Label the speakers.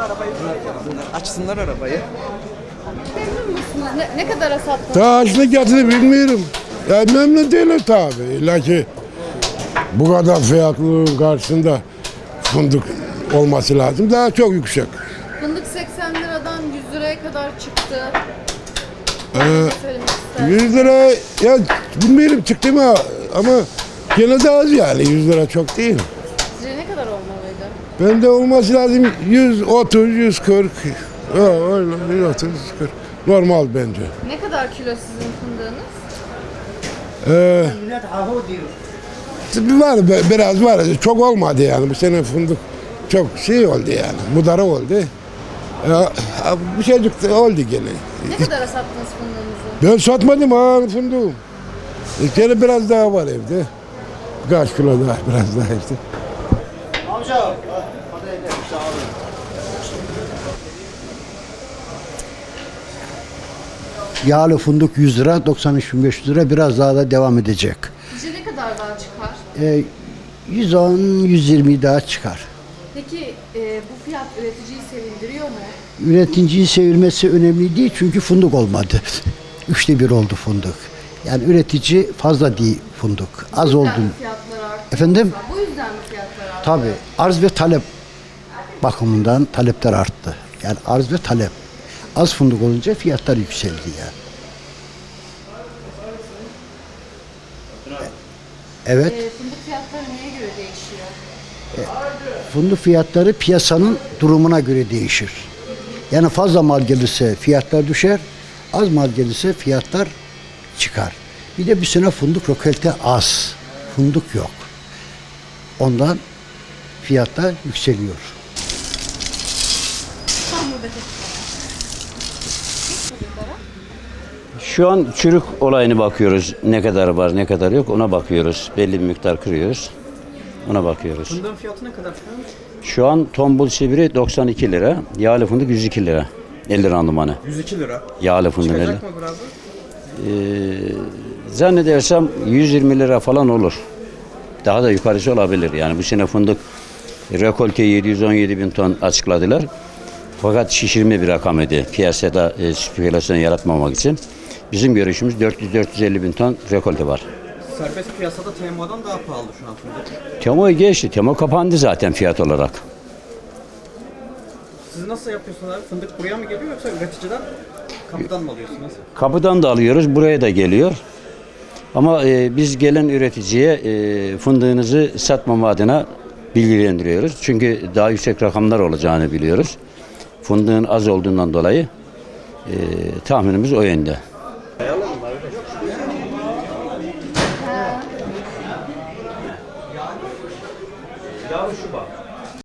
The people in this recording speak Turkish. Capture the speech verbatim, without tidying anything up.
Speaker 1: Açsınlar arabayı.
Speaker 2: Memnun musunuz? Ne, ne kadara sattınız?
Speaker 3: Daha açlık getirdi bilmiyorum. Ya memnun değilim tabii. İlla ki bu kadar fiyatlılığın karşısında fındık olması lazım. Daha çok yüksek.
Speaker 2: Fındık seksen liradan yüz liraya kadar çıktı.
Speaker 3: Ee,
Speaker 2: Söylemek ister.
Speaker 3: yüz lira ya bilmiyorum çıktı mı ama gene de az yani. yüz lira çok değil.
Speaker 2: Sizce ne kadar olmalıydı?
Speaker 3: Bende olması lazım yüz otuz, yüz kırk. Ha, öyle yüz otuz, yüz kırk. Normal bence.
Speaker 2: Ne kadar kilo sizin fındığınız?
Speaker 3: Ee, var be- biraz var. Çok olmadı yani. Bu sene fındık çok şey oldu yani. Mudara oldu. Ya, bir şeycik de oldu gene.
Speaker 2: Ne kadara sattınız fındığınızı?
Speaker 3: Ben satmadım ha fındığım. E, gene biraz daha var evde. Kaç kilo daha biraz daha işte.
Speaker 4: Yağlı fındık yüz lira, doksan üç bin beş yüz lira biraz daha da devam edecek.
Speaker 2: Sizce ne kadar daha çıkar?
Speaker 4: Ee, yüz on yüz yirmi daha çıkar.
Speaker 2: Peki e, bu fiyat üreticiyi sevindiriyor mu?
Speaker 4: Üreticiyi sevilmesi önemli değil çünkü fındık olmadı. Üçte bir oldu fındık. Yani üretici fazla değil fındık. Az
Speaker 2: Bu
Speaker 4: oldu.
Speaker 2: yüzden mi fiyatlar arttı?
Speaker 4: Efendim?
Speaker 2: Bu yüzden mi fiyatlar arttı?
Speaker 4: Tabii arz ve talep bakımından talepler arttı. Yani arz ve talep. Az fındık olunca fiyatlar yükseldi yani. Evet.
Speaker 2: E, fındık fiyatları neye göre değişiyor?
Speaker 4: Fındık fiyatları piyasanın durumuna göre değişir. Yani fazla mal gelirse fiyatlar düşer, az mal gelirse fiyatlar çıkar. Bir de bir sene fındık rökelte az, fındık yok. Ondan fiyatlar yükseliyor.
Speaker 5: Şu an çürük olayını bakıyoruz. Ne kadar var, ne kadar yok ona bakıyoruz. Belli bir miktar kırıyoruz. Ona bakıyoruz.
Speaker 1: Fındığın fiyatı ne kadar?
Speaker 5: Şu an tombul sivri doksan iki lira, yağlı fındık yüz iki lira. elli randımanı.
Speaker 1: yüz iki lira.
Speaker 5: Yağlı fındık elli.
Speaker 1: Çıkacak mı biraz?
Speaker 5: Ee, zannedersem yüz yirmi lira falan olur. Daha da yukarısı olabilir. Yani bu sene fındık rekolte yedi yüz on yedi bin ton açıkladılar. Fakat şişirme bir rakam idi. Piyasada e, spekülasyon yaratmamak için. Bizim görüşümüz dört yüz dört yüz elli bin ton rekolte var.
Speaker 1: Serbest piyasada T M O'dan daha pahalı şu an fındık.
Speaker 5: Temo'yu geçti. Temo kapandı zaten fiyat olarak.
Speaker 1: Siz nasıl yapıyorsunuz abi? Fındık buraya mı geliyor yoksa üreticiden kapıdan mı alıyorsunuz?
Speaker 5: Kapıdan da alıyoruz, buraya da geliyor. Ama e, biz gelen üreticiye e, fındığınızı satmama adına bilgilendiriyoruz. Çünkü daha yüksek rakamlar olacağını biliyoruz. Fındığın az olduğundan dolayı e, tahminimiz o yönde.
Speaker 2: Şu